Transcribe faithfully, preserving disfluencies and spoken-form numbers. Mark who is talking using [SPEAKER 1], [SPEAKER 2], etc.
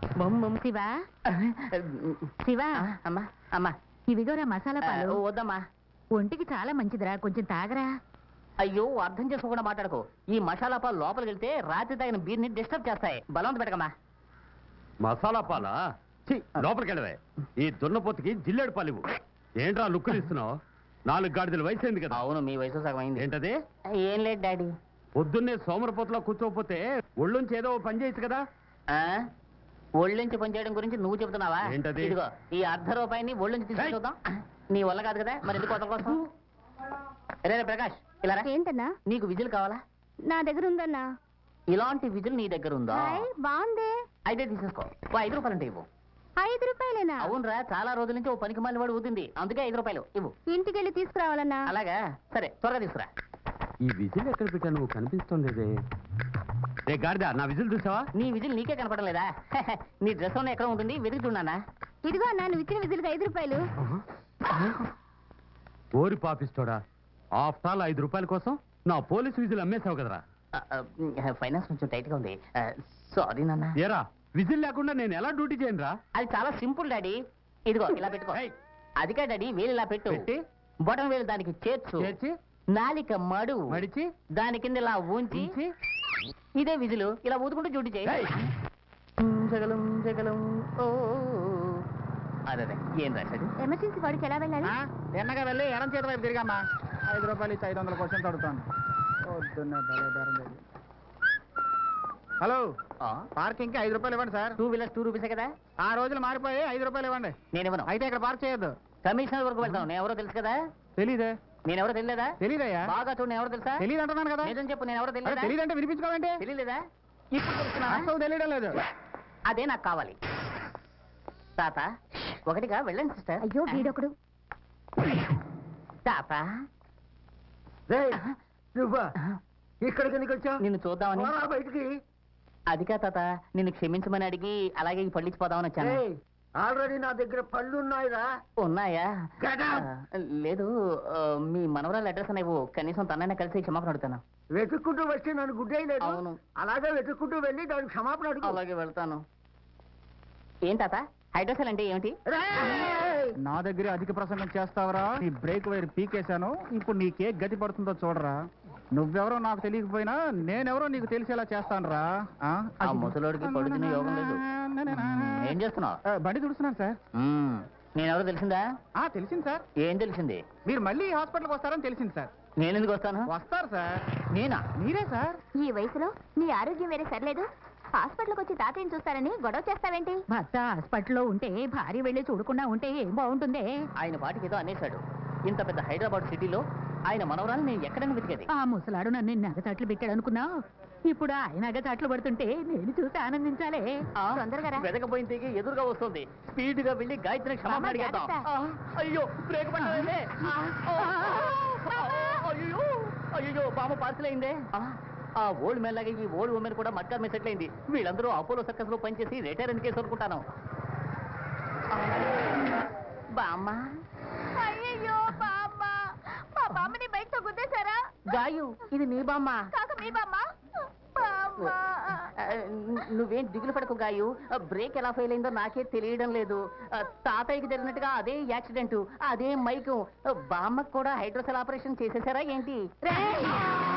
[SPEAKER 1] శివా శివా
[SPEAKER 2] అమ్మా అమ్మా
[SPEAKER 1] ఇవిగోరా మసాలా పాలు.
[SPEAKER 2] వద్దమ్మా,
[SPEAKER 1] ఒంటికి చాలా మంచిదిరా, కొంచెం తాగరా.
[SPEAKER 2] అయ్యో అర్థం చేసుకోకుండా మాట్లాడుకో. ఈ మసాలా పాలు లోపలికి వెళ్తే రాత్రి తాగిన బీర్ని డిస్టర్బ్ చేస్తాయి. బలవంత పెట్టకమ్మా.
[SPEAKER 3] మసాలా పాలా? లోపలికి వెళ్ళవే. ఈ దున్నపోతుకి జిల్లేడు పాలివు. ఏంట్రా లుక్కులు ఇస్తున్నావు? నాలుగు గాడిదల వయసు అయింది కదా.
[SPEAKER 2] అవును, మీ వయసు సగం అయింది.
[SPEAKER 3] ఏంటది?
[SPEAKER 2] ఏం లేదు డాడీ.
[SPEAKER 3] పొద్దున్నే సోమరపోతులో కూర్చోకపోతే ఒళ్ళుంచి ఏదో పని చేయొచ్చు కదా.
[SPEAKER 2] ఒళ్ళుంచి పనిచేయడం గురించి నువ్వు చెబుతున్నావా?
[SPEAKER 3] ఏంటది?
[SPEAKER 2] ఇదిగో ఈ అర్ధ రూపాయిని ఒళ్ళుంచి తీసుకుని చూద్దాం. నీ వల్ల కాదు కదా, మరి ఎందుకు కొత్త కోసం? రే ప్రకాష్, ఇలా రా.
[SPEAKER 1] ఏంటన్నా?
[SPEAKER 2] నీకు విజిల్ కావాలా?
[SPEAKER 1] నా దగ్గర ఉందన్నా.
[SPEAKER 2] ఇలాంటి విజిల్ నీ దగ్గర ఉందా?
[SPEAKER 1] బాగుంది.
[SPEAKER 2] అయితే తీసేసుకో. ఓ ఐదు రూపాయలు అంటే ఇవ్వు.
[SPEAKER 1] ఐదు రూపాయలేనా?
[SPEAKER 2] అవునరా, చాలా రోజుల నుంచి ఓ పనికి మాలిన వాడు ఊదింది, అందుకే ఐదు రూపాయలు ఇవ్వు.
[SPEAKER 1] ఇంటికి వెళ్ళి తీసుకురావాలన్నా.
[SPEAKER 2] అలాగా, సరే త్వరగా తీసుకురా.
[SPEAKER 3] ఈ విజిల్ ఎక్కడ పెట్టా నువ్వు కనిపిస్తుంది. రే గాడిదా, నా విజిల్ చూసావా?
[SPEAKER 2] నీ విజిల్ నీకే కనపడం లేదా? నీ డ్రెస్ ఉన్న ఎక్కడ ఉంటుంది, వెతికి చూడనా?
[SPEAKER 1] ఇదిగో అన్నా, నువ్వు ఇచ్చిన విజిల్కి ఐదు రూపాయలు.
[SPEAKER 3] ఓరి పాపిస్తోడా, ఆఫ్టర్ ఆల్ ఐదు రూపాయల కోసం నా పోలీసు విజిల్ అమ్మేసావు కదరా.
[SPEAKER 2] ఫైనాన్స్ కొంచెం టైట్ గా ఉంది, సారీ నాన్న.
[SPEAKER 3] ఏరా, విజిల్ లేకుండా నేను ఎలా డ్యూటీ చేయను రా?
[SPEAKER 2] అది చాలా సింపుల్ డాడీ. ఇదిగో ఇలా పెట్టుకో. అదిగా డాడీ, వేలు ఇలా పెట్టు. బొటన్ వేలు దానికి చేర్చు.
[SPEAKER 3] చేర్చి
[SPEAKER 2] నాలిక మడు
[SPEAKER 3] మడిచి
[SPEAKER 2] దాని కింద ఇలా ఉంచి ఇదే విజులు ఇలా ఊదుకుంటూ డ్యూటీ చేయి. జగలం జగలం ఓ అదే ఏం రాశాడు?
[SPEAKER 1] ఎమర్జెన్సీ వాడికి ఎలా వెళ్ళాలి?
[SPEAKER 2] ఎన్నగా వెళ్ళి ఎడం చేతి వైపు తిరిగమ్మా. ఐదు రూపాయలు ఇచ్చి ఐదు వందల క్వశ్చన్స్ అడుగుతాను. హలో, పార్కింగ్ కి ఐదు రూపాయలు ఇవ్వండి సార్. టూ వీలర్స్ టూ రూపీసే కదా. ఆ రోజులు మారిపోయి ఐదు రూపాయలు ఇవ్వండి. నేను ఇవ్వను. అయితే ఇక్కడ పార్క్ చేయొద్దు. కమిషనర్ వరకు వెళ్తాను. నేను ఎవరో తెలుసు కదా. తెలీదే. నేను ఎవరో తెలియదా? తెలీదయ్యా. బాగా చూడు, నేను ఎవరో తెలుసా? తెలియదు అంటున్నాను కదా. నిజం చెప్పు, నేను ఎవరో తెలియదా? తెలియదంటే వినిపించుకోవాలంటే తెలియలేదా? ఇప్పుడు తెలుసుకున్నా తెలియడం లేదు. అదే నాకు కావాలి. తాత ఒకటిగా వెళ్ళండి సిస్టర్.
[SPEAKER 1] అయ్యో వీడొకడు.
[SPEAKER 2] తాత
[SPEAKER 4] ఇక్కడికి ఎందుకు వచ్చావు?
[SPEAKER 2] నిన్ను చూద్దామని.
[SPEAKER 4] బయటికి.
[SPEAKER 2] అదికా తాత, నిన్ను క్షమించమని అడిగి అలాగే ఈ పళ్ళిచ్చిపోదామని వచ్చాను.
[SPEAKER 4] ఆల్రెడీ నా దగ్గర పళ్ళు ఉన్నాయిరా.
[SPEAKER 2] ఉన్నాయా? లేదు, మీ మనవరాలు అడ్రస్ అనేవు. కనీసం తనైనా కలిసి క్షమాపణ అడుగుతాను.
[SPEAKER 4] వెతుక్కుంటూ వస్తే నన్ను గుడ్డేయలేదు.
[SPEAKER 2] అవును,
[SPEAKER 4] అలాగే వెతుక్కుంటూ వెళ్ళి దానికి క్షమాపణ అడుగు.
[SPEAKER 2] అలాగే వెళ్తాను. ఏం తాత, హైడ్రోసెల్ అంటే ఏమిటి?
[SPEAKER 5] నా దగ్గర అధిక ప్రసంగం చేస్తావరా? నీ బ్రేక్ వైర్ పీకేశాను. ఇప్పుడు నీకే గతి పడుతుందో చూడరా. నువ్వెవరో నాకు తెలియకపోయినా నేనెవరో నీకు తెలిసేలా చేస్తాను రా.
[SPEAKER 2] ఆ ముసలోడికి పడుతున్న యోగం లేదు. ఏం చేస్తున్నావు?
[SPEAKER 5] బండి తుడుస్తున్నాను సార్.
[SPEAKER 2] నేనెవరో తెలిసిందా?
[SPEAKER 5] తెలిసింది సార్.
[SPEAKER 2] ఏం తెలిసింది?
[SPEAKER 5] మీరు మళ్ళీ హాస్పిటల్కి వస్తారని తెలిసింది సార్.
[SPEAKER 2] నేను ఎందుకు వస్తాను?
[SPEAKER 5] వస్తారు సార్.
[SPEAKER 2] నేనా?
[SPEAKER 5] మీరే సార్.
[SPEAKER 1] ఈ వయసులో నీ ఆరోగ్యం వేరే సర్లేదు, హాస్పిటల్కి వచ్చి తాతయ్యని చూస్తారని గొడవ చేస్తావేంటి? భర్త హాస్పిటల్లో ఉంటే భార్య వెళ్ళి చూడకుండా ఉంటే ఏం బాగుంటుంది?
[SPEAKER 2] ఆయన పాటికి ఏదో అనేశాడు. ఇంత పెద్ద హైదరాబాద్ సిటీలో ఆయన మనవరాలు నేను ఎక్కడైనా వెతికేది.
[SPEAKER 1] ఆ ముసలాడు నన్ను నగచాట్లు పెట్టాడు అనుకున్నావు. ఇప్పుడు ఆయన నగచాట్లు పడుతుంటే నేను చూసి ఆనందించాలే. తొందరగా
[SPEAKER 2] వెతకపోయిన తీగి ఎదురుగా వస్తుంది. స్పీడ్ గా వెళ్ళి గాయత్రి క్షమాపణ అడిగేద్దాం. అయ్యో బ్రేక్ పట్టలేదే. అయ్యో అయ్యో బామ్మ పార్సల్ అయిందే. ఆ ఓల్డ్ మ్యాన్ లాగా ఈ ఓల్డ్ ఉమెన్ కూడా మట్కా మీద సెటిల్ అయింది. వీళ్ళందరూ అపోలో సర్కస్ లో పనిచేసి రిటైర్ అని కేసు అనుకుంటాను. బామ్మ,
[SPEAKER 1] అయ్యో బామ్మ, మా బామ్మని బయటతో గుద్దేశారా?
[SPEAKER 2] గాయు, ఇది నీ బామ్మ
[SPEAKER 1] కాక మీ బామ్మ.
[SPEAKER 2] నువ్వేం దిగులు పడకు గాయు. బ్రేక్ ఎలా ఫెయిల్ అయిందో నాకే తెలియడం లేదు. తాతయ్యకి జరిగినట్టుగా అదే యాక్సిడెంట్, అదే మైకు. బామ్మకు కూడా హైడ్రోసెల్ ఆపరేషన్ చేసేసారా ఏంటి?